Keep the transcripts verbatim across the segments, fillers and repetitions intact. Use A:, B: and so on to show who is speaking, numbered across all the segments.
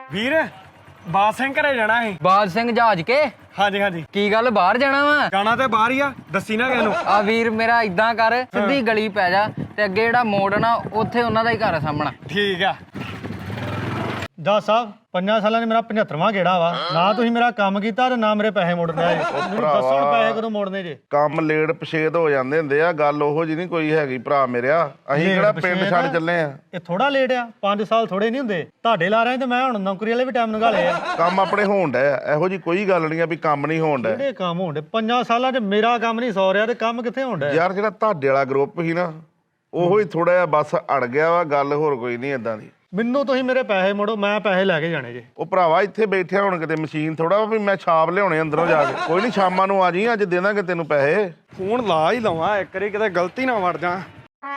A: ਵੀਰ ਬਾਦ ਸਿੰਘ ਘਰੇ ਜਾਣਾ ਸੀ।
B: ਬਾਦ ਸਿੰਘ ਜਹਾਜ ਕੇ
A: ਹਾਂਜੀ ਹਾਂਜੀ
B: ਕੀ ਗੱਲ ਬਾਹਰ ਜਾਣਾ ਵਾ?
A: ਜਾਣਾ ਤੇ ਬਾਹਰ ਹੀ ਆ, ਦੱਸੀ ਨਾ ਕਿਹਨੂੰ।
B: ਆ ਵੀਰ ਮੇਰਾ ਇਦਾਂ ਕਰ, ਸਿੱਧੀ ਗਲੀ ਪੈ ਜਾ ਤੇ ਅੱਗੇ ਜਿਹੜਾ ਮੋੜ ਨਾ ਉੱਥੇ ਉਹਨਾਂ ਦਾ ਹੀ ਘਰ ਆ ਸਾਹਮਣਾ।
A: ਠੀਕ ਆ।
C: ਜੱਜ ਸਾਹਿਬ ਪੰਜਾਂ ਸਾਲਾਂ ਨੇ ਮੇਰਾ ਪਝੱਤਰਵਾਂ ਗੇੜਾ ਵਾ ਨਾ, ਤੁਸੀਂ ਮੇਰਾ ਕੰਮ ਕੀਤਾ ਤੇ ਨਾ ਮੇਰੇ ਪੈਸੇ ਮੋੜਨੇ ਆ। ਮੈਨੂੰ ਦੱਸੋ ਹੁਣ ਪੈਸੇ ਕਦੋਂ ਮੋੜਨੇ ਜੇ?
D: ਕੰਮ ਲੇਟ ਪਛੇਤ ਹੋ ਜਾਂਦੇ ਹੁੰਦੇ ਆ, ਗੱਲ ਉਹੋ ਜੀ ਨਹੀਂ ਕੋਈ ਹੈਗੀ ਭਰਾ ਮੇਰਿਆ। ਅਸੀਂ ਕਿਹੜਾ ਪਿੰਡ ਛੱਡ ਚੱਲੇ ਆ।
C: ਇਹ ਥੋੜਾ ਲੇਟ ਆ, ਪੰਜ ਸਾਲ ਥੋੜੇ ਨਹੀਂ ਹੁੰਦੇ। ਤੁਹਾਡੇ ਲਾ ਰਹੇ ਤੇ ਮੈਂ ਹੁਣ ਨੌਕਰੀ ਵਾਲੇ ਵੀ ਟਾਈਮ ਨਿਕਾਲੇ ਆ।
D: ਕੰਮ ਆਪਣੇ ਹੋਣ ਡਿਆ, ਇਹੋ ਜੀ ਕੋਈ ਗੱਲ ਨਹੀਂ ਆ ਵੀ ਕੰਮ ਨਹੀਂ ਹੋਣ ਡਿਆ।
C: ਕਿਹੜੇ ਕੰਮ ਹੋਣ ਡੇ? ਪੰਜਾਂ ਸਾਲਾਂ 'ਚ ਮੇਰਾ ਕੰਮ ਨਹੀਂ ਸੌ ਰਿਹਾ ਤੇ ਕੰਮ ਕਿੱਥੇ ਹੋਣ ਡਿਆ?
D: ਯਾਰ ਜਿਹੜਾ ਤੁਹਾਡੇ ਵਾਲਾ ਗਰੁੱਪ ਸੀ ਨਾ, ਉਹੋ ਹੀ ਥੋੜਾ ਜਿਹਾ ਬਸ ਅੜ ਗਿਆ ਵਾ, ਗੱਲ ਹੋਰ ਕੋਈ ਨਹੀਂ ਏਦਾਂ ਦੀ।
C: ਮੈਨੂੰ ਤੁਸੀਂ ਮੇਰੇ ਪੈਸੇ ਮੋੜੋ, ਮੈਂ ਪੈਸੇ ਲੈ ਕੇ ਜਾਣੇ ਜੇ।
D: ਉਹ ਭਰਾਵਾ ਇੱਥੇ ਬੈਠਿਆ ਹੁਣ ਕਿਤੇ ਮਸ਼ੀਨ ਥੋੜਾ ਵੀ ਮੈਂ ਛਾਪ ਲਿਆਉਣੇ ਅੰਦਰੋਂ ਜਾ ਕੇ। ਕੋਈ ਨਹੀਂ ਸ਼ਾਮਾਂ ਨੂੰ ਆ ਜੀ, ਅੱਜ ਦੇ ਦਾਂਗੇ ਤੈਨੂੰ ਪੈਸੇ।
A: ਫੋਨ ਲਾ ਹੀ ਲਵਾਂ ਇੱਕ ਵਾਰੀ, ਕਿਤੇ ਗਲਤੀ ਨਾ ਵੜ ਜਾ।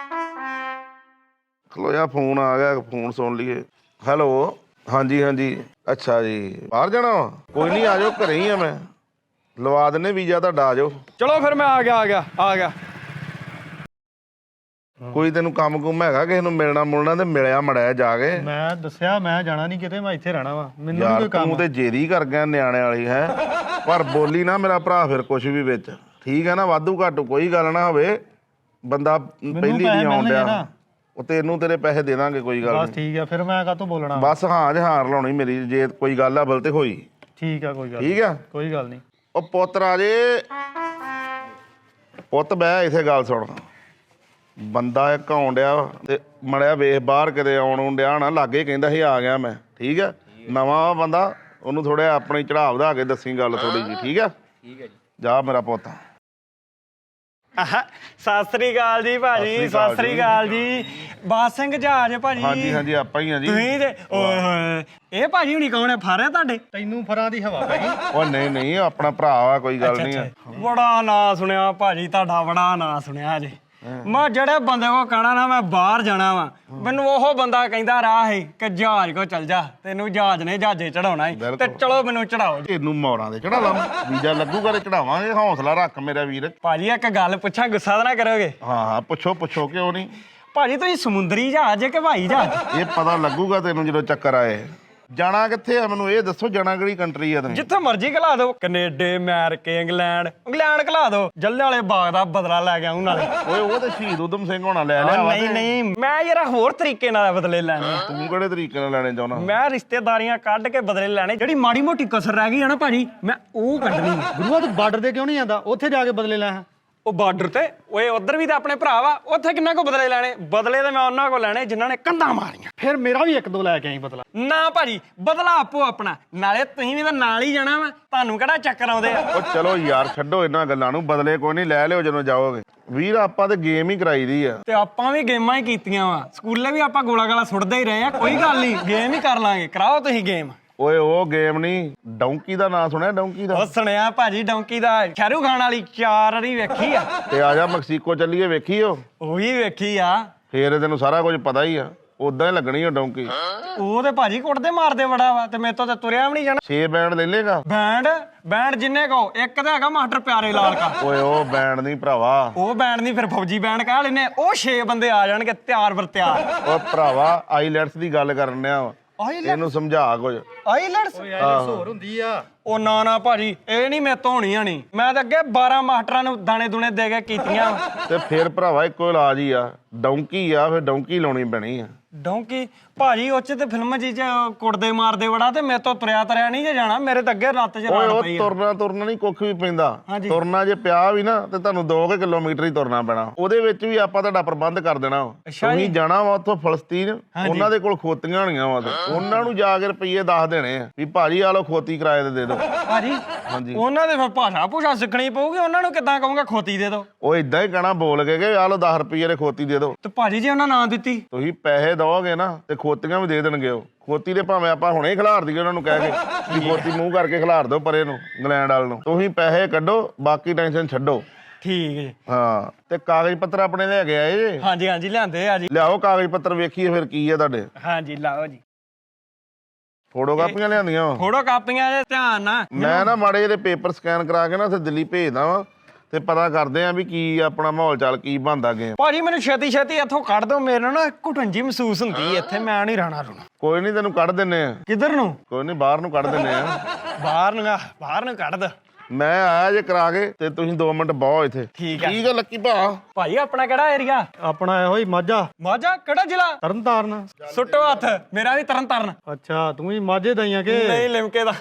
D: ਖਲੋ ਜਾ, ਫੋਨ ਆ ਗਿਆ, ਫੋਨ ਸੁਣ ਲਈਏ। ਹੈਲੋ, ਹਾਂਜੀ ਹਾਂਜੀ, ਅੱਛਾ ਜੀ ਬਾਹਰ ਜਾਣਾ ਵਾ? ਕੋਈ ਨਹੀਂ, ਆ ਜਾਓ, ਘਰੇ ਹੀ ਆ ਮੈਂ, ਲਵਾ ਦਿੰਨੇ ਵੀਜ਼ਾ ਤੁਹਾਡਾ, ਆ ਜਾਓ।
A: ਚਲੋ ਫਿਰ ਮੈਂ ਆ ਗਿਆ ਆ ਗਿਆ ਆ ਗਿਆ।
D: ਕੋਈ ਤੈਨੂੰ ਕੰਮ ਕੁਮ ਹੈਗਾ ਕਿਸੇ ਨੂੰ ਮਿਲਣਾ ਮੁਲਣਾ ਤੇ ਮਿਲਿਆ ਮੜਿਆ ਜਾ ਕੇ।
C: ਮੈਂ ਦੱਸਿਆ ਮੈਂ ਜਾਣਾ ਨਹੀਂ ਕਿਤੇ, ਮੈਂ ਇੱਥੇ ਰਹਿਣਾ ਵਾ, ਮੈਨੂੰ ਨਹੀਂ
D: ਯਾਰ
C: ਕੋਈ ਕੰਮ।
D: ਤੂੰ ਤੇ ਜੇਰੀ ਕਰ ਗਿਆ ਨਿਆਣੇ ਵਾਲੀ ਹੈ, ਪਰ ਬੋਲੀ ਨਾ ਮੇਰਾ ਭਰਾ ਫਿਰ ਕੁਛ ਵੀ ਵਿੱਚ, ਠੀਕ ਹੈ ਨਾ? ਵਾਧੂ ਘਾਟੂ ਕੋਈ ਗੱਲ ਨਾ ਹੋਵੇ, ਬੰਦਾ ਪਹਿਲੀ ਨਹੀਂ ਆਉਣ ਡਿਆ। ਉਹ ਤੈਨੂੰ ਤੇਰੇ ਪੈਸੇ ਦੇ ਦਾਂਗੇ, ਕੋਈ ਗੱਲ
C: ਬਸ ਠੀਕ ਆ, ਫਿਰ ਮੈਂ ਕਾਹਤੋਂ ਬੋਲਣਾ?
D: ਬਸ ਹਾਂ ਜਹਾਰ ਲਾਉਣੀ ਮੇਰੀ, ਜੇ ਕੋਈ ਗੱਲ ਆ ਬਲ ਤੇ ਹੋਈ।
C: ਠੀਕ ਆ, ਕੋਈ ਗੱਲ
D: ਠੀਕ ਆ,
C: ਕੋਈ ਗੱਲ ਨਹੀਂ।
D: ਉਹ ਪੁੱਤ ਰਾਜੇ, ਪੁੱਤ ਬਹਿ ਇੱਥੇ, ਗੱਲ ਸੁਣ। ਬੰਦਾ ਇੱਕ ਆਉਣ ਡਿਆ ਤੇ ਮੜਿਆ ਵੇਖ ਬਾਹਰ ਕਿਤੇ ਆਉਣ ਆਉਣ ਡਿਆ ਨਾ, ਲਾਗੇ ਕਹਿੰਦਾ ਸੀ ਆ ਗਿਆ ਮੈਂ, ਠੀਕ ਆ? ਨਵਾਂ ਬੰਦਾ, ਉਹਨੂੰ ਥੋੜਾ ਆਪਣੀ ਚੜਾਵ ਵਧਾ ਕੇ ਦੱਸੀ ਗੱਲ ਥੋੜੀ ਜੀ, ਠੀਕ ਆ?
B: ਠੀਕ ਹੈ ਜੀ।
D: ਜਾ ਮੇਰਾ ਪੁੱਤ।
A: ਸਤਿ ਸ੍ਰੀ ਅਕਾਲ ਜੀ ਭਾਜੀ, ਸਤਿ ਸ੍ਰੀ ਅਕਾਲ ਜੀ। ਬਾਦ ਸਿੰਘ ਜਹਾਜ ਭਾਜੀ?
D: ਹਾਂਜੀ ਹਾਂਜੀ, ਆਪਾਂ ਹੀ ਆ ਜੀ।
A: ਤੁਸੀਂ ਤੇ ਓਏ ਹੋਏ, ਇਹ ਭਾਜੀ ਹੁਣੀ ਕੌਣ ਹੈ? ਫਾਰਿਆ ਤੁਹਾਡੇ?
C: ਤੈਨੂੰ ਫਰਾਂ ਦੀ ਹਵਾ ਪੈ ਗਈ।
D: ਉਹ ਨਹੀਂ ਨਹੀਂ, ਆਪਣਾ ਭਰਾ ਆ, ਕੋਈ ਗੱਲ ਨਹੀਂ ਆ।
A: ਬੜਾ ਨਾਂ ਸੁਣਿਆ ਭਾਜੀ ਤੁਹਾਡਾ, ਬੜਾ ਨਾਂ ਸੁਣਿਆ ਜੀ। ਮੈਂ ਜਿਹੜੇ ਬੰਦੇ ਕੋ ਕਹਿਣਾ ਨਾ ਮੈਂ ਬਾਹਰ ਜਾਣਾ ਵਾ, ਮੈਨੂੰ ਉਹ ਬੰਦਾ ਕਹਿੰਦਾ ਰਾਹ ਹੈ ਕਿ ਜਹਾਜ਼ ਕੋ ਚੱਲ ਜਾ, ਤੈਨੂੰ ਜਹਾਜ਼ ਨੇ ਜਹਾਜ਼ੇ ਚੜਾਉਣਾ ਹੈ ਤੇ ਚਲੋ ਮੈਨੂੰ ਚੜਾਓ।
D: ਇਹਨੂੰ ਮੌਰਾਂ ਦੇ ਚੜਾ ਲਾ, ਵੀਜ਼ਾ ਲੱਗੂਗਾ ਤੇ ਚੜਾਵਾਂਗੇ। ਹੌਸਲਾ ਰੱਖ ਮੇਰਾ ਵੀਰ।
A: ਭਾਜੀ ਇੱਕ ਗੱਲ ਪੁੱਛਾਂ, ਗੁੱਸਾ ਤਾਂ ਨਾ ਕਰੋਗੇ?
D: ਹਾਂ ਹਾਂ, ਪੁੱਛੋ ਪੁੱਛੋ, ਕਿਉਂ ਨਹੀਂ।
A: ਭਾਜੀ ਤੁਸੀਂ ਸਮੁੰਦਰੀ ਜਹਾਜ਼ ਕਿ ਹਵਾਈ ਜਹਾਜ਼?
D: ਇਹ ਪਤਾ ਲੱਗੂਗਾ ਤੈਨੂੰ ਜਦੋਂ ਚੱਕਰ ਆਏ। ਜਾਣਾ ਕਿੱਥੇ ਆ ਮੈਨੂੰ ਇਹ ਦੱਸੋ, ਜਾਣਾ ਕਿਹੜੀ ਕੰਟਰੀ ਆ ਤੁਸੀਂ?
A: ਜਿੱਥੇ ਮਰਜ਼ੀ ਘਲਾ ਦਿਓ, ਕੈਨੇਡਾ, ਅਮਰੀਕਾ, ਇੰਗਲੈਂਡ ਇੰਗਲੈਂਡ ਘਲਾ ਦਿਓ। ਜੱਲੇ ਵਾਲੇ ਬਾਗ ਦਾ ਬਦਲਾ ਲੈ ਗਿਆ ਉਹਨਾਂ ਨਾਲੇ।
D: ਓਏ ਉਹ ਤੇ ਸ਼ਹੀਦ ਊਧਮ ਸਿੰਘ ਹੋਣਾ ਲੈ ਲਿਆ ਵਾ।
A: ਨਹੀਂ ਨਹੀਂ, ਮੈਂ ਯਾਰ ਹੋਰ ਤਰੀਕੇ ਨਾਲ ਬਦਲੇ ਲੈਣੇ।
D: ਤੂੰ ਕਿਹੜੇ ਤਰੀਕੇ ਨਾਲ ਲੈਣੇ ਚਾਹੁੰਦਾ?
A: ਮੈਂ ਰਿਸ਼ਤੇਦਾਰੀਆਂ ਕੱਢ ਕੇ ਬਦਲੇ ਲੈਣੇ। ਜਿਹੜੀ ਮਾੜੀ ਮੋਟੀ ਕਸਰ ਰਹਿ ਗਈ ਆ ਨਾ ਭਾਜੀ, ਮੈਂ ਉਹ ਕੱਢਣੀ।
C: ਗੁਰੂਆ ਤੂੰ ਬਾਰਡਰ ਤੇ ਕਿਉਂ ਨਹੀਂ ਜਾਂਦਾ? ਉੱਥੇ ਜਾ ਕੇ ਬਦਲੇ ਲੈ।
A: ਉਹ ਬਾਰਡਰ ਤੇ ਓਏ ਉਧਰ ਵੀ ਤਾਂ ਆਪਣੇ ਭਰਾ ਵਾ, ਉੱਥੇ ਕਿੰਨਾ ਕੋ ਬਦਲੇ ਲੈਣੇ? ਬਦਲੇ ਤੇ ਮੈਂ ਉਹਨਾਂ ਕੋ ਲੈਣੇ ਜਿਨ੍ਹਾਂ ਨੇ ਕੰਧਾਂ ਮਾਰੀਆਂ।
C: ਫਿਰ ਮੇਰਾ ਵੀ ਇੱਕ ਦੋ ਲੈ ਕੇ ਆਈ ਬਦਲਾ।
A: ਨਾ ਭਾਜੀ, ਬਦਲਾ ਆਪੋ ਆਪਣਾ, ਨਾਲੇ ਤੁਸੀਂ ਵੀ ਤਾਂ ਨਾਲ ਹੀ ਜਾਣਾ ਵਾ, ਤੁਹਾਨੂੰ ਕਿਹੜਾ ਚੱਕਰ ਆਉਂਦੇ ਆ?
D: ਉਹ ਚਲੋ ਯਾਰ ਛੱਡੋ ਇਹਨਾਂ ਗੱਲਾਂ ਨੂੰ, ਬਦਲੇ ਕੋਈ ਨਹੀਂ, ਲੈ ਲਿਓ ਜਦੋਂ ਜਾਓਗੇ। ਵੀਰ ਆਪਾਂ ਤੇ ਗੇਮ ਹੀ ਕਰਾਈ ਦੀ ਆ।
A: ਤੇ ਆਪਾਂ ਵੀ ਗੇਮਾਂ ਹੀ ਕੀਤੀਆਂ ਵਾ, ਸਕੂਲੇ ਵੀ ਆਪਾਂ ਗੋਲਾ ਗਾਲਾ ਸੁੱਟਦੇ ਹੀ ਰਹੇ ਆ। ਕੋਈ ਗੱਲ ਨਹੀਂ, ਗੇਮ ਹੀ ਕਰ ਲਾਂਗੇ, ਕਰਾਓ ਤੁਸੀਂ ਗੇਮ।
D: ਓਏ ਉਹ ਗੇਮ ਨਹੀਂ, ਡੌਂਕੀ ਦਾ ਨਾਂ ਸੁਣਿਆ? ਡੌਂਕੀ ਦਾ
A: ਉਹ ਸੁਣਿਆ ਭਾਜੀ, ਡੌਂਕੀ ਦਾ। ਸ਼ਾਹਰੁਖ ਖਾਨ ਵਾਲੀ ਚਾਰ ਵਾਰੀ ਵੇਖੀ ਆ।
D: ਤੇ ਆ ਜਾ ਮੈਕਸੀਕੋ ਚੱਲੀਏ, ਵੇਖੀ ਉਹ?
A: ਉਹ ਵੀ ਵੇਖੀ ਆ।
D: ਫੇਰ ਤੈਨੂੰ ਸਾਰਾ ਕੁਝ ਪਤਾ ਹੀ ਆ, ਉਦਾਂ ਹੀ ਲੱਗਣੀ ਉਹ ਡੌਂਕੀ।
A: ਉਹ ਤੇ ਭਾਜੀ ਕੁੱਟਦੇ ਮਾਰਦੇ ਬੜਾ ਵਾ, ਤੇ ਮੇਰੇ ਤੋਂ ਤੇ ਤੁਰਿਆ ਵੀ ਨਹੀਂ ਜਾਣਾ।
D: ਛੇ ਬੈਂਡ ਲੈ ਲੇਗਾ?
A: ਬੈਂਡ ਬੈਂਡ ਜਿੰਨੇ ਕੋ, ਇੱਕ ਤਾਂ ਹੈਗਾ ਮਾਸਟਰ ਪਿਆਰੇ ਲਾਲ ਕਾ।
D: ਓਏ ਉਹ ਬੈਂਡ ਨਹੀਂ ਭਰਾਵਾ,
A: ਉਹ ਬੈਂਡ ਨਹੀਂ, ਫਿਰ ਫੌਜੀ ਬੈਂਡ ਕਹਿ ਲੈਨੇ। ਉਹ ਛੇ ਬੰਦੇ ਆ ਜਾਣਗੇ ਤਿਆਰ ਬਰ ਤਿਆਰ।
D: ਓਏ ਭਰਾਵਾ ਆਈਲੈਟਸ ਦੀ ਗੱਲ ਕਰਨ ਡਿਆ ਵਾ, ਇਹਨੂੰ ਸਮਝਾ ਕੁਝ।
A: ਆਈਲੈਟਸ
C: ਹੋਰ ਹੁੰਦੀ ਆ।
A: ਉਹ ਨਾ ਨਾ ਭਾਜੀ, ਇਹ ਨਹੀਂ ਮੇਰੇ ਤੋਂ ਹੋਣੀ ਆਣੀ। ਮੈਂ ਤਾਂ ਅੱਗੇ ਬਾਰਾਂ ਮਾਸਟਰਾਂ ਨੂੰ ਦਾਣੇ ਦੁਣੇ ਦੇ ਕੇ ਕੀਤੀਆਂ।
D: ਤੇ ਫਿਰ ਭਰਾਵਾ ਇੱਕੋ ਇਲਾਜ ਹੀ ਆ, ਡੌਂਕੀ ਆ, ਫਿਰ ਡੌਂਕੀ ਲਾਉਣੀ ਪੈਣੀ ਆ।
A: ਡੌਂਕੀ ਭਾਜੀ ਉਹ ਚ ਤੇ ਫਿਲਮ ਜੀ ਚ ਕੁੱਟਦੇ ਮਾਰਦੇ ਬੜਾ, ਤੇ ਮੇਰੇ ਤੋਂ ਤੁਰਿਆ ਤਰਿਆ ਨਹੀਂ ਜੇ ਜਾਣਾ। ਮੇਰੇ ਤਾਂ ਅੱਗੇ ਰੱਤ ਚ
D: ਓਏ
A: ਰਾੜ
D: ਉਹ
A: ਪਈ ਆ।
D: ਤੁਰਨਾ ਤੁਰਨਾ ਨਹੀਂ ਕੁੱਖ ਵੀ ਪੈਂਦਾ।
A: ਹਾਂਜੀ।
D: ਤੁਰਨਾ ਜੇ ਪਿਆ ਵੀ ਨਾ ਤੇ ਤੁਹਾਨੂੰ ਦੋ ਕੁ ਕਿਲੋਮੀਟਰ ਹੀ ਤੁਰਨਾ ਪੈਣਾ। ਉਹਦੇ ਵਿੱਚ ਵੀ ਆਪਾਂ ਤੁਹਾਡਾ ਪ੍ਰਬੰਧ ਕਰ ਦੇਣਾ ਵਾ।
A: ਅੱਛਾ ਜੀ।
D: ਤੁਸੀਂ ਜਾਣਾ ਵਾ ਉੱਥੋਂ ਫਲਸਤੀਨ, ਉਹਨਾਂ ਦੇ ਕੋਲ ਖੋਤੀਆਂ ਹੋਣੀਆਂ ਵਾ, ਤੇ ਉਹਨਾਂ ਨੂੰ ਜਾ ਕੇ ਰੁਪਈਏ ਦੱਸ ਦੇਣੇ ਆ ਵੀ ਭਾਜੀ ਆ ਲੋ ਖੋਤੀ ਕਿਰਾਏ ਤੇ ਦੇ ਦਿਓ।
A: ਭਾਜੀ
D: ਹਾਂਜੀ।
A: ਉਹਨਾਂ ਦੇ ਫਿਰ ਭਾਸ਼ਾ ਭੂਸ਼ਾ ਸਿੱਖਣੀ ਪਊਗੀ। ਉਹਨਾਂ ਨੂੰ ਕਿੱਦਾਂ ਕਹੂੰਗਾ ਖੋਤੀ ਦੇ ਦਿਓ?
D: ਉਹ ਇਦਾਂ ਹੀ ਕਹਿਣਾ ਬੋਲ ਕੇ ਕਿ ਆ ਲੋ ਦਸ ਰੁਪਈਏ ਦੇ ਖੋਤੀ ਦੇ ਦਿਓ।
A: ਤੇ ਭਾਜੀ ਜੇ ਉਹਨਾਂ ਨਾਂ ਦਿੱਤੀ?
D: ਤੁਸੀਂ ਪੈਸੇ ਦਓਗੇ ਨਾ ਤੇ ਖੋਤੀਆਂ ਵੀ ਦੇ ਦੇਣਗੇ ਉਹ। ਖੋਤੀ ਦੇ ਭਾਵੇਂ ਆਪਾਂ ਹੁਣੇ ਹੀ ਖਿਲਾਰ ਦਈਏ ਉਹਨਾਂ ਨੂੰ ਕਹਿ ਕੇ ਵੀ ਖੋਤੀ ਮੂੰਹ ਕਰਕੇ ਖਿਲਾਰ ਦਿਓ ਪਰੇ ਨੂੰ, ਇੰਗਲੈਂਡ ਵਾਲ ਨੂੰ। ਤੁਸੀਂ ਪੈਸੇ ਕੱਢੋ, ਬਾਕੀ ਟੈਨਸ਼ਨ ਛੱਡੋ।
A: ਠੀਕ ਜੀ।
D: ਹਾਂ, ਤੇ ਕਾਗਜ਼ ਪੱਤਰ ਆਪਣੇ ਲੈ ਕੇ ਆਏ ਜੇ?
A: ਹਾਂਜੀ ਹਾਂਜੀ ਲਿਆਂਦੇ ਆ ਜੀ।
D: ਲਿਆਓ ਕਾਗਜ਼ ਪੱਤਰ, ਵੇਖੀਏ ਫਿਰ ਕੀ ਆ ਤੁਹਾਡੇ।
A: ਹਾਂਜੀ ਲਾਓ ਜੀ।
D: ਫੋਟੋ ਕਾਪੀਆਂ ਲਿਆਂਦੀਆਂ ਵਾ?
A: ਫੋਟੋ ਕਾਪੀਆਂ ਦੇ ਧਿਆਨ ਨਾਲ।
D: ਮੈਂ ਨਾ ਮਾੜੇ ਜਿਹੇ ਪੇਪਰ ਸਕੈਨ ਕਰਾ ਕੇ ਨਾ ਉੱਥੇ ਦਿੱਲੀ ਭੇਜਦਾ ਵਾਂ, ਤੇ ਪਤਾ ਕਰਦੇ ਆ ਵੀ ਕੀ ਆਪਣਾ ਮਾਹੌਲ ਚਾਲ ਕੀ ਬਣਦਾ ਗੇਮ।
A: ਭਾਜੀ ਮੈਨੂੰ ਛੇਤੀ ਛੇਤੀ ਇੱਥੋਂ ਕੱਢ ਦਿਓ, ਮੇਰੇ ਨਾ ਘੁਟਨ ਜੀ ਮਹਿਸੂਸ ਹੁੰਦੀ ਹੈ ਇੱਥੇ, ਮੈਂ ਨਹੀਂ ਰਹਿਣਾ ਰੁਣਾ।
D: ਕੋਈ ਨਹੀਂ ਤੈਨੂੰ ਕੱਢ ਦਿੰਨੇ ਆ।
A: ਕਿੱਧਰ ਨੂੰ?
D: ਕੋਈ ਨਹੀਂ ਬਾਹਰ ਨੂੰ ਕੱਢ ਦਿੰਨੇ ਆ।
A: ਬਾਹਰ ਨੂੰ ਆ, ਬਾਹਰ ਨੂੰ ਕੱਢ ਦੋ।
D: ਮੈਂ ਆਇਆ ਜੇ ਕਰਾ ਕੇ ਤੇ ਤੁਸੀਂ ਦੋ ਮਿੰਟ ਬਹੁ ਇੱਥੇ।
A: ਠੀਕ ਆ।
D: ਠੀਕ ਆ ਲੱਕੀ ਭਾ।
A: ਭਾਈ ਆਪਣਾ ਕਿਹੜਾ ਏਰੀਆ?
C: ਆਪਣਾ ਇਹੋ ਹੀ ਮਾਝਾ
A: ਮਾਝਾ ਕਿਹੜਾ ਜ਼ਿਲ੍ਹਾ?
C: ਤਰਨਤਾਰਨ।
A: ਸੁੱਟੋ ਹੱਥ, ਮੇਰਾ ਵੀ ਤਰਨ ਤਾਰਨ।
C: ਅੱਛਾ ਤੂੰ ਵੀ ਮਾਝੇ ਦਾ ਹੀ ਆ ਕਿ?
A: ਨਹੀਂ ਲਿਮਕੇ ਦਾ।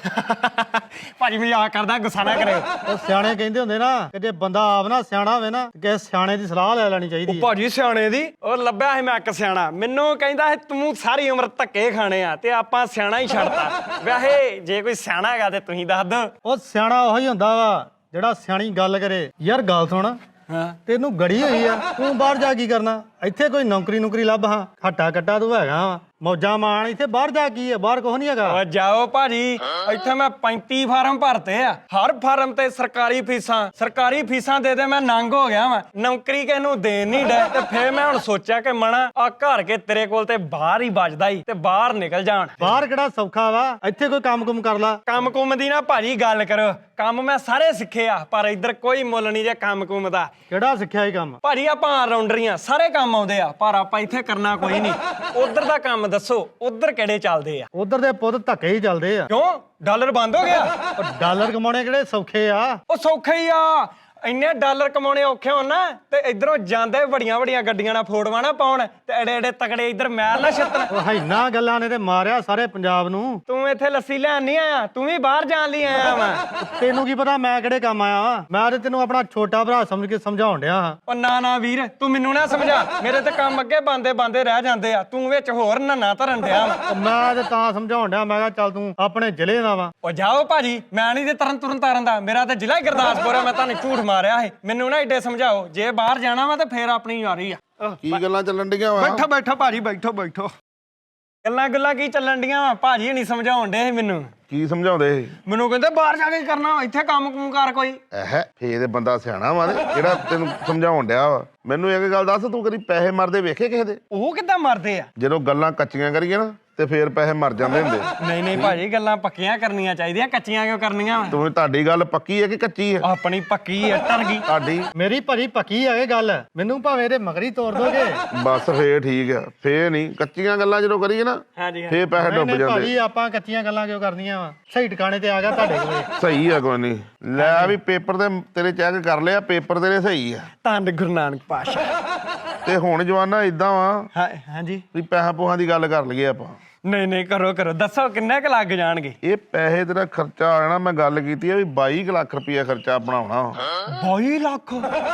A: ਭਾਜੀ ਮਜ਼ਾਕ ਕਰਦਾ, ਗੁੱਸਾ ਨਾ ਕਰਿਓ।
C: ਉਹ ਸਿਆਣੇ ਕਹਿੰਦੇ ਹੁੰਦੇ ਨਾ ਕਿ ਜੇ ਬੰਦਾ ਆਪ ਨਾ ਸਿਆਣਾ ਹੋਵੇ ਨਾ ਤੇ ਕਿਸੇ ਸਿਆਣੇ ਦੀ ਸਲਾਹ ਲੈ ਲੈਣੀ ਚਾਹੀਦੀ ਹੈ।
A: ਭਾਜੀ ਸਿਆਣੇ ਦੀ ਉਹ ਲੱਭਿਆ ਸੀ ਮੈਂ ਇੱਕ ਸਿਆਣਾ, ਮੈਨੂੰ ਕਹਿੰਦਾ ਸੀ ਤੂੰ ਸਾਰੀ ਉਮਰ ਧੱਕੇ ਖਾਣੇ ਆ ਤੇ ਆਪਾਂ ਸਿਆਣਾ ਹੀ ਛੱਡਤਾ। ਵੈਸੇ ਜੇ ਕੋਈ ਸਿਆਣਾ ਹੈਗਾ ਤੇ ਤੁਸੀਂ ਦੱਸ ਦਿਓ।
C: ਉਹ ਸਿਆਣਾ ਉਹੀ ਹੁੰਦਾ ਵਾ ਜਿਹੜਾ ਸਿਆਣੀ ਗੱਲ ਕਰੇ। ਯਾਰ ਗੱਲ ਸੁਣ,
A: ਹਾਂ
C: ਤੈਨੂੰ ਗੜੀ ਹੋਈ ਆ, ਤੂੰ ਬਾਹਰ ਜਾ ਕੀ ਕਰਨਾ? ਇੱਥੇ ਕੋਈ ਨੌਕਰੀ ਨੌਕਰੀ ਲੱਭ ਹਾਂ, ਹੱਟਾ ਕੱਟਾ ਤੂੰ ਹੈਗਾ ਵਾ, ਮੌਜਾਂ ਮਾਣ। ਇੱਥੇ ਬਾਹਰ ਜਾ ਕੀ ਆ? ਬਾਹਰ ਕੁਛ ਨਹੀਂ ਹੈਗਾ।
A: ਓ ਜਾਓ ਭਾਜੀ, ਇੱਥੇ ਮੈਂ ਪੈਂਤੀ ਫਾਰਮ ਭਰਤੇ ਆ, ਹਰ ਫਾਰਮ ਤੇ ਸਰਕਾਰੀ ਫੀਸਾਂ ਸਰਕਾਰੀ ਫੀਸਾਂ ਦੇ ਦੇ ਮੈਂ ਨੰਗ ਹੋ ਗਿਆ ਵਾਂ। ਨੌਕਰੀ ਕਿਹਨੂੰ ਦੇਣ ਨਹੀਂ ਡੇ ਤੇ ਫੇਰ ਮੈਂ ਹੁਣ ਸੋਚਿਆ ਕਿ ਮਣਾ ਆ ਘਰ ਕੇ ਤੇਰੇ ਕੋਲ ਤੇ ਬਾਹਰ ਹੀ ਵੱਜਦਾ ਹੀ ਤੇ ਬਾਹਰ ਨਿਕਲ ਜਾਣ।
C: ਬਾਹਰ ਕਿਹੜਾ ਸੌਖਾ ਵਾ? ਇੱਥੇ ਕੋਈ ਕੰਮ ਕੁਮ ਕਰ ਲਾ।
A: ਕੰਮ ਕੁਮ ਦੀ ਨਾ ਭਾਜੀ ਗੱਲ ਕਰੋ, ਕੰਮ ਮੈਂ ਸਾਰੇ ਸਿੱਖੇ ਆ ਪਰ ਇੱਧਰ ਕੋਈ ਮੁੱਲ ਨਹੀਂ ਜੇ ਕੰਮ ਕੁਮ ਦਾ।
C: ਕਿਹੜਾ ਸਿੱਖਿਆ ਇਹ ਕੰਮ?
A: ਭਾਜੀ ਆਪਾਂ ਰਾਉਂਡਰੀਆਂ ਸਾਰੇ ਕੰਮ ਆਉਂਦੇ ਆ ਪਰ ਆਪਾਂ ਇੱਥੇ ਕਰਨਾ ਕੋਈ ਨਹੀਂ। ਉਧਰ ਦਾ ਕੰਮ ਦੱਸੋ, ਉਧਰ ਕਿਹੜੇ ਚੱਲਦੇ ਆ?
C: ਉਧਰ ਦੇ ਪੁੱਤ ਧੱਕੇ ਹੀ ਚੱਲਦੇ ਆ।
A: ਕਿਉਂ ਡਾਲਰ ਬੰਦ ਹੋ ਗਿਆ?
C: ਉਹ ਡਾਲਰ ਕਮਾਉਣੇ ਕਿਹੜੇ ਸੌਖੇ ਆ?
A: ਉਹ ਸੌਖੇ ਹੀ ਆ, ਇੰਨੇ ਡਾਲਰ ਕਮਾਉਣੇ ਔਖੇ ਹੋਣ ਨਾ ਤੇ ਇਧਰੋਂ ਜਾਂਦੇ ਵੱਡੀਆਂ ਵੱਡੀਆਂ ਗੱਡੀਆਂ ਨਾਲ ਫੋਟੋਆਂ ਨਾ ਪਾਉਣ ਤੇ ਐਡੇ ਐਡੇ ਤਕੜੇ ਇਧਰ ਮੈਲ ਨਾ ਛੱਤਣ।
C: ਉਹ ਹੈਨਾ ਗੱਲਾਂ ਨੇ ਤੇ ਮਾਰਿਆ ਸਾਰੇ ਪੰਜਾਬ ਨੂੰ।
A: ਤੂੰ ਇੱਥੇ ਲੱਸੀ ਲੈਣ ਨਹੀਂ ਆਇਆ, ਤੂੰ ਵੀ ਬਾਹਰ ਜਾਣ ਲਈ ਆਇਆ ਵਾ।
C: ਤੈਨੂੰ ਕੀ ਪਤਾ ਮੈਂ ਕਿਹੜੇ ਕੰਮ ਆਇਆ ਵਾਂ? ਮੈਂ ਤੇ ਤੈਨੂੰ ਆਪਣਾ ਛੋਟਾ ਭਰਾ ਸਮਝ ਕੇ ਸਮਝਾਉਣ ਡਿਆ ਹਾਂ।
A: ਉਹ ਨਾ ਨਾ ਵੀਰ, ਤੂੰ ਮੈਨੂੰ ਨਾ ਸਮਝਾ, ਮੇਰੇ ਤੇ ਕੰਮ ਅੱਗੇ ਬੰਦੇ ਬੰਦੇ ਰਹਿ ਜਾਂਦੇ ਆ, ਤੂੰ ਵਿੱਚ ਹੋਰ ਨੰਨਾ ਧਰਨ ਡਿਆ ਵਾ।
C: ਉਹ ਮੈਂ ਤੇ ਤਾਂ ਸਮਝਾਉਣ ਡਿਆ, ਮੈਂ ਕਿਹਾ ਚੱਲ ਤੂੰ ਆਪਣੇ ਜ਼ਿਲ੍ਹੇ ਦਾ ਵਾ।
A: ਉਹ ਜਾਓ ਭਾਜੀ, ਮੈਂ ਨਹੀਂ ਤੇ ਤਰਨ ਤੁਰਨ ਤਾਰਨ ਦਾ, ਮੇਰਾ ਤੇ ਜ਼ਿਲ੍ਹਾ ਹੀ ਗੁਰਦਾਸਪੁਰ ਆ। ਮੈਂ ਤੁਹਾਨੂੰ ਝੂਠ ਮਾਰਿਆ ਸੀ, ਮੈਨੂੰ ਨਾ ਏਡੇ ਸਮਝਾਓ। ਜੇ ਬਾਹਰ ਜਾਣਾ ਵਾ ਤੇ ਫੇਰ ਆਪਣੀ ਯਾਰੀ ਆ।
D: ਕੀ ਗੱਲਾਂ ਚੱਲਣ ਡੀਆਂ ਵਾ?
A: ਬੈਠੋ ਬੈਠੋ ਭਾਜੀ, ਬੈਠੋ ਬੈਠੋ। ਗੱਲਾਂ ਗੱਲਾਂ ਕੀ ਚੱਲਣ ਡੀਆਂ ਵਾ? ਭਾਜੀ ਨਹੀਂ ਸਮਝਾਉਣ ਡੇ ਸੀ ਮੈਨੂੰ।
D: ਕੀ ਸਮਝਾਉਂਦੇ ਸੀ?
A: ਮੈਨੂੰ ਕਹਿੰਦੇ ਬਾਹਰ ਜਾ ਕੇ ਕਰਨਾ, ਇੱਥੇ ਕੰਮ ਕੁਮ ਕਰ ਕੋਈ।
D: ਐਹ ਫੇਰ ਇਹ ਬੰਦਾ ਸਿਆਣਾ ਵਾ ਤੇ ਜਿਹੜਾ ਤੈਨੂੰ ਸਮਝਾਉਣ ਡਿਆ ਵਾ। ਮੈਨੂੰ ਇੱਕ ਗੱਲ ਦੱਸ, ਤੂੰ ਕਦੀ ਪੈਸੇ ਮਰਦੇ ਵੇਖੇ ਕਿਸੇ ਦੇ?
A: ਉਹ ਕਿੱਦਾਂ ਮਰਦੇ ਆ?
D: ਜਦੋਂ ਗੱਲਾਂ ਕੱਚੀਆਂ ਕਰੀਏ ਨਾ ਤੇ ਫੇਰ ਪੈਸੇ ਮਰ ਜਾਂਦੇ ਹੁੰਦੇ।
A: ਨਹੀਂ ਨਹੀਂ ਭਾਜੀ, ਗੱਲਾਂ ਪੱਕੀਆਂ ਕਰਨੀਆਂ ਚਾਹੀਦੀਆਂ, ਕੱਚੀਆਂ ਕਿਉਂ ਕਰਨੀਆਂ ਵਾ?
D: ਤੂੰ ਤੁਹਾਡੀ ਗੱਲ ਪੱਕੀ ਹੈ ਕਿ ਕੱਚੀ ਹੈ?
A: ਆਪਣੀ ਪੱਕੀ ਆ, ਟਰ ਗਈ।
D: ਤੁਹਾਡੀ
C: ਮੇਰੀ ਭਰੀ ਪੱਕੀ ਆ ਇਹ ਗੱਲ। ਮੈਨੂੰ ਭਾਵੇਂ ਇਹਦੇ ਮਗਰੀ ਤੋੜ ਦੋਗੇ।
D: ਬਸ ਫੇਰ ਠੀਕ ਆ। ਫੇਰ ਨਹੀਂ ਕੱਚੀਆਂ ਗੱਲਾਂ ਜਦੋਂ ਕਰੀਏ ਨਾ
A: ਹਾਂਜੀ
D: ਫੇਰ ਪੈਸੇ ਡੁੱਬ
C: ਨਹੀਂ
D: ਜਾਂਦੇ।
C: ਭਾਜੀ ਆਪਾਂ ਕੱਚੀਆਂ ਗੱਲਾਂ ਕਿਉਂ ਕਰਨੀਆਂ ਵਾ? ਸਹੀ ਟਿਕਾਣੇ ਤੇ ਆ ਗਿਆ ਤੁਹਾਡੇ ਕੋਲੇ।
D: ਸਹੀ ਆ, ਕੋਈ ਨਹੀਂ। ਲੈ ਵੀ ਪੇਪਰ ਤੇ ਤੇਰੇ ਚੈੱਕ ਕਰ ਲਿਆ, ਪੇਪਰ ਤੇਰੇ ਸਹੀ ਆ।
A: ਧੰਨ ਗੁਰੂ ਨਾਨਕ ਪਾਸ਼ਾ।
D: ਤੇ ਹੁਣ ਜਵਾਨਾ ਇਦਾਂ ਵਾ
A: ਹਾਂ ਹਾਂਜੀ।
D: ਵੀ ਪੈਸਾ ਪੂਹਾਂ ਦੀ ਗੱਲ ਕਰ ਲਈਏ ਆਪਾਂ।
A: ਨਹੀਂ ਨਹੀਂ ਕਰੋ ਕਰੋ, ਦੱਸੋ ਕਿੰਨੇ ਕੁ ਲੱਗ ਜਾਣਗੇ?
D: ਇਹ ਪੈਸੇ ਤੇਰਾ ਖਰਚਾ ਆ ਜਾਣਾ। ਮੈਂ ਗੱਲ ਕੀਤੀ ਆ ਵੀ ਬਾਈ ਕੁ ਲੱਖ ਰੁਪਇਆ ਖਰਚਾ ਬਣਾਉਣਾ।
A: ਬਾਈ ਲੱਖ?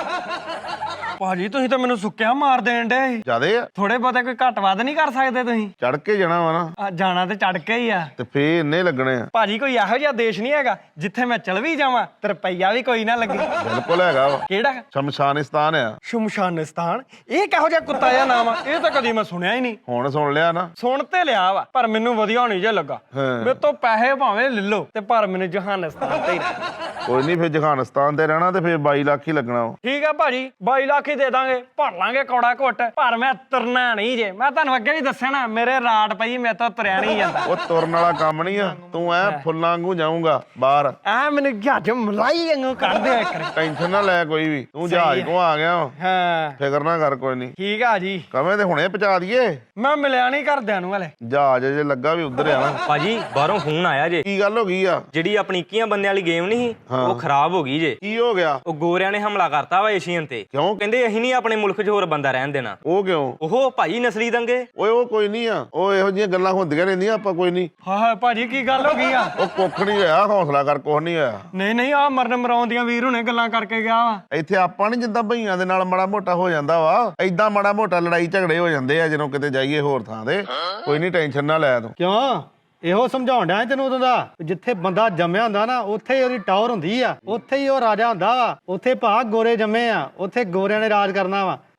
A: ਭਾਜੀ ਤੁਸੀਂ ਤਾਂ ਮੈਨੂੰ ਸੁੱਕਿਆ ਮਾਰ ਦੇਣ ਡੇ।
D: ਜਿਆਦੇ ਆ?
A: ਥੋੜੇ ਬਹੁਤੇ ਕੋਈ ਘੱਟ ਵੱਧ ਨਹੀਂ ਕਰ ਸਕਦੇ ਤੁਸੀਂ?
D: ਚੜ ਕੇ ਜਾਣਾ ਵਾ ਨਾ।
A: ਆ ਜਾਣਾ ਤੇ ਚੜ ਕੇ ਹੀ ਆ।
D: ਤੇ ਫੇਰ ਇੰਨੇ ਲੱਗਣੇ ਆ।
A: ਭਾਜੀ ਕੋਈ ਇਹੋ ਜਿਹਾ ਦੇਸ਼ ਨਹੀਂ ਹੈਗਾ ਜਿੱਥੇ ਮੈਂ ਚਲ ਵੀ ਜਾਵਾਂ ਤੇ ਰੁਪਈਆ ਵੀ ਕੋਈ ਨਾ ਲੱਗੇ।
D: ਬਿਲਕੁਲ ਹੈਗਾ ਵਾ।
A: ਕਿਹੜਾ?
D: ਸ਼ਮਸ਼ਾਨਿਸਤਾਨ ਆ।
A: ਸ਼ਮਸ਼ਾਨਿਸਤਾਨ? ਇਹ ਕਿਹੋ ਜਿਹਾ ਕੁੱਤਾ ਜਿਹਾ ਨਾਮ ਆ? ਇਹ ਤਾਂ ਕਦੀ ਮੈਂ ਸੁਣਿਆ ਹੀ ਨਹੀਂ।
D: ਹੁਣ ਸੁਣ ਲਿਆ ਨਾ?
A: ਸੁਣ ਤੇ ਲਿਆ ਵਾ ਪਰ ਮੈਨੂੰ ਵਧੀਆ ਨਹੀਂ ਜੇ ਲੱਗਾ।
D: ਹਾਂ।
A: ਮੇਰੇ ਤੋਂ ਪੈਸੇ ਭਾਵੇਂ ਲੈ ਲਓ ਤੇ ਪਰ ਮੈਨੂੰ ਜਹਾਨਿਸਤਾਨ ਤੇ ਹੀ ਰਹਿਣਾ।
D: ਕੋਈ ਨਹੀਂ, ਫੇਰ ਜਹਾਨਿਸਤਾਨ ਤੇ ਰਹਿਣਾ ਤੇ ਫੇਰ ਬਾਈ ਲੱਖ ਹੀ ਲੱਗਣਾ ਵਾ।
A: ਠੀਕ ਆ ਭਾਜੀ, ਬਾਈ ਲੱਖ ਹੀ ਦੇ ਦਾਂਗੇ, ਭਰ ਲਾਂਗੇ ਕੌੜਾ ਘੁੱਟ। ਪਰ ਮੈਂ ਤੁਰਨਾ ਨਹੀਂ ਜੇ। ਮੈਂ ਤੁਹਾਨੂੰ ਅੱਗੇ ਵੀ ਦੱਸਿਆ ਨਾ, ਮੇਰੇ ਰਾਟ ਪਈ, ਮੇਰੇ ਤੋਂ ਤੁਰਿਆ ਨਹੀਂ ਜਾਂਦਾ।
D: ਉਹ ਤੁਰਨ ਵਾਲਾ ਕੰਮ ਨਹੀਂ ਆ। ਤੂੰ ਐ ਫੁੱਲਾਂ ਵਾਂਗੂ ਜਾਊਂਗਾ ਬਾਹਰ।
A: ਐ ਮੈਨੂੰ ਜਹਾਜ਼ ਮਲਾਈ ਵਾਂਗੂ ਕੱਢ ਦਿਓ ਇੱਕ ਵਾਰੀ।
D: ਟੈਨਸ਼ਨ ਨਾ ਲੈ ਕੋਈ ਵੀ। ਤੂੰ ਜਹਾਜ਼ ਕੋ ਆ ਗਿਆ ਵਾ।
A: ਹਾਂ
D: ਫਿਕਰ ਨਾ ਕਰ ਕੋਈ ਨਹੀਂ।
A: ਠੀਕ ਆ ਜੀ।
D: ਕਵੇਂ ਤੇ ਹੁਣੇ ਪਹੁੰਚਾ ਦਈਏ।
A: ਮੈਂ ਮਿਲਿਆ ਨਹੀਂ ਘਰਦਿਆਂ ਨੂੰ ਹਲੇ।
D: ਜਹਾਜ਼ ਜੇ ਲੱਗਾ ਵੀ ਉਧਰ ਆ ਨਾ।
E: ਭਾਜੀ ਬਾਹਰੋਂ ਫੋਨ ਆਇਆ ਜੇ।
D: ਕੀ ਗੱਲ ਹੋ ਗਈ ਆ?
E: ਜਿਹੜੀ ਆਪਣੀ ਇੱਕੀਆਂ ਬੰਦਿਆਂ ਵਾਲੀ ਗੇਮ ਨਹੀਂ ਸੀ, ਉਹ ਖਰਾਬ ਹੋ ਗਈ ਜੇ।
D: ਕੀ ਹੋ ਗਿਆ?
E: ਉਹ ਗੋਰਿਆਂ ਨੇ ਹਮਲਾ ਕਰਤਾ ਵਾ ਏਸ਼ੀਅਨ ਤੇ।
D: ਕਿਉਂ?
E: ਕਹਿੰਦੇ ਅਸੀਂ ਨਹੀਂ ਆਪਣੇ ਮੁਲਕ 'ਚ ਹੋਰ ਬੰਦਾ ਰਹਿਣ ਦੇਣਾ।
D: ਉਹ ਕਿਉਂ?
E: ਉਹ ਭਾਜੀ ਨਸਲੀ ਦੰਗੇ।
D: ਓਏ ਉਹ ਕੋਈ ਨਹੀਂ ਆ। ਉਹ ਇਹੋ ਜਿਹੀਆਂ ਗੱਲਾਂ ਹੁੰਦੀਆਂ ਰਹਿੰਦੀਆਂ, ਆਪਾਂ ਕੋਈ ਨਹੀਂ।
A: ਹਾਂ ਹਾਂ ਭਾਜੀ ਕੀ ਗੱਲ ਹੋ ਗਈ ਆ?
D: ਉਹ ਕੁੱਖ ਨਹੀਂ ਹੋਇਆ, ਹੌਸਲਾ ਕਰ, ਕੁਛ ਨਹੀਂ ਹੋਇਆ।
A: ਨਹੀਂ ਨਹੀਂ ਆ ਮਰਨ ਮਰਾਉਣ ਦੀਆਂ ਵੀਰ ਹੁਣੇ ਗੱਲਾਂ ਕਰਕੇ ਗਿਆ ਵਾ।
D: ਇੱਥੇ ਆਪਾਂ ਨਹੀਂ ਜਿੱਦਾਂ ਭਈਆਂ ਦੇ ਨਾਲ ਮਾੜਾ ਮੋਟਾ ਹੋ ਜਾਂਦਾ ਵਾ, ਏਦਾਂ ਮਾੜਾ ਮੋਟਾ ਲੜਾਈ ਝਗੜੇ ਹੋ ਜਾਂਦੇ ਆ ਜਦੋਂ ਕਿਤੇ ਜਾਈਏ ਹੋਰ ਥਾਂ ਤੇ। ਕੋਈ ਨਹੀਂ, ਟੈਨਸ਼ਨ ਨਾ ਲੈ ਤੂੰ।
C: ਕਿਉਂ? ਇਹੋ ਸਮਝਾਉਣ ਡਿਆ ਤੈਨੂੰ ਉਦੋਂ ਦਾ। ਜਿੱਥੇ ਬੰਦਾ ਜੰਮਿਆ ਹੁੰਦਾ ਨਾ ਉੱਥੇ ਹੀ ਉਹਦੀ ਟਾਵਰ ਹੁੰਦੀ ਆ, ਉੱਥੇ ਹੀ ਉਹ ਰਾਜਾ ਹੁੰਦਾ ਵਾ। ਉੱਥੇ ਭਾ ਗੋਰੇ ਜੰਮੇ ਆ, ਉੱਥੇ ਗੋਰਿਆਂ ਨੇ ਰਾਜ ਕਰਨਾ ਵਾ।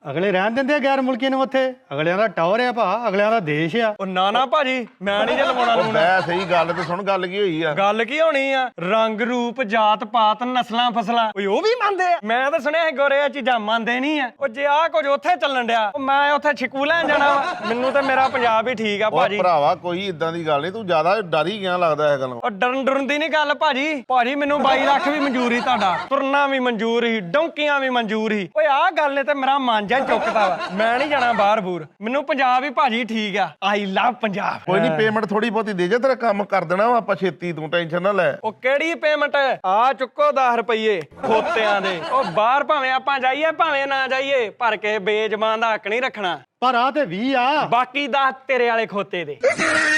C: ਅਗਲੇ ਰਹਿਣ ਦਿੰਦੇ ਆ ਗੈਰ ਮੁਲਕੀ ਨੂੰ ਉੱਥੇ। ਅਗਲਿਆਂ ਦਾ ਟੌਰ ਆ ਭਾ, ਅਗਲਿਆਂ ਦਾ ਦੇਸ਼ ਆ।
A: ਉਹ ਨਾ ਨਾ ਭਾਜੀ ਮੈਂ ਨਹੀਂ ਜੇ ਲਵਾਉਣਾ
D: ਉਹ
A: ਲਵਾਉਣਾ।
D: ਮੈਂ ਸਹੀ ਗੱਲ ਤੇ ਸੁਣ, ਗੱਲ ਕੀ ਹੋਈ ਆ?
A: ਗੱਲ ਕੀ ਹੋਣੀ ਆ? ਰੰਗ ਰੂਪ ਜਾਤ ਪਾਤ ਨਸਲਾਂ ਫਸਲਾਂ ਓਏ ਉਹ ਵੀ ਮੰਨਦੇ ਆ। ਮੈਂ ਤਾਂ ਸੁਣਿਆ ਸੀ ਗੋਰੇ ਇਹ ਚੀਜ਼ਾਂ ਮੰਨਦੇ ਨਹੀਂ ਆ। ਉਹ ਜੇ ਆ ਕੁਝ ਉੱਥੇ ਚੱਲਣ ਡਿਆ ਉਹ ਮੈਂ ਉੱਥੇ ਛਿਕੂ ਲੈਣ ਜਾਣਾ ਵਾ। ਮੈਨੂੰ ਤਾਂ ਮੇਰਾ ਪੰਜਾਬ ਹੀ ਠੀਕ ਆ
D: ਉਹ
A: ਭਾਜੀ।
D: ਭਰਾਵਾ ਕੋਈ ਇਦਾਂ ਦੀ ਗੱਲ ਨਹੀਂ, ਤੂੰ ਜ਼ਿਆਦਾ ਡਰ ਹੀ ਗਿਆ ਲੱਗਦਾ ਇਹ ਗੱਲੋਂ।
A: ਉਹ ਡਰਨ ਡਰਨ ਦੀ ਨਹੀਂ ਗੱਲ ਭਾਜੀ। ਭਾਜੀ ਮੈਨੂੰ ਬਾਈ ਲੱਖ ਵੀ ਮਨਜ਼ੂਰ ਹੀ ਤੁਹਾਡਾ, ਤੁਰਨਾ ਵੀ ਮਨਜ਼ੂਰ ਹੀ, ਡੌਂਕੀਆਂ ਵੀ ਮਨਜ਼ੂਰ ਹੀ। ਓਏ ਆਹ ਗੱਲ ਨੇ ਤੇ ਮੇਰਾ ਮਨ ਜਾ ਚੁੱਕਦਾ ਵਾ। ਮੈਂ ਨਹੀਂ ਜਾਣਾ ਬਾਹਰ ਬੂਰ, ਮੈਨੂੰ ਪੰਜਾਬ ਹੀ ਭਾਜੀ ਠੀਕ ਆ। ਆਈ ਲਵ ਪੰਜਾਬ।
D: ਕੋਈ ਨਹੀਂ, ਪੇਮੈਂਟ ਥੋੜੀ ਬਹੁਤੀ ਦੇ ਜਾ, ਤੇਰਾ ਕੰਮ ਕਰ ਦੇਣਾ ਵਾ ਆਪਾਂ ਛੇਤੀ, ਤੂੰ ਟੈਨਸ਼ਨ ਨਾ ਲੈ।
A: ਉਹ ਕਿਹੜੀ ਪੇਮੈਂਟ? ਆ ਚੁੱਕੋ ਦਸ ਰੁਪਏ ਖੋਤਿਆਂ ਦੇ। ਉਹ ਬਾਹਰ ਭਾਵੇਂ ਆਪਾਂ ਜਾਈਏ ਭਾਵੇਂ ਨਾ ਜਾਈਏ, ਪਰ ਕੇ ਬੇਜ਼ਬਾਨ ਦਾ ਹੱਕ ਨਹੀਂ ਰੱਖਣਾ।
C: ਪਰ ਆ ਤੇ ਵੀਹ ਆ।
A: ਬਾਕੀ ਦਸ ਤੇਰੇ ਵਾਲੇ ਖੋਤੇ ਦੇ।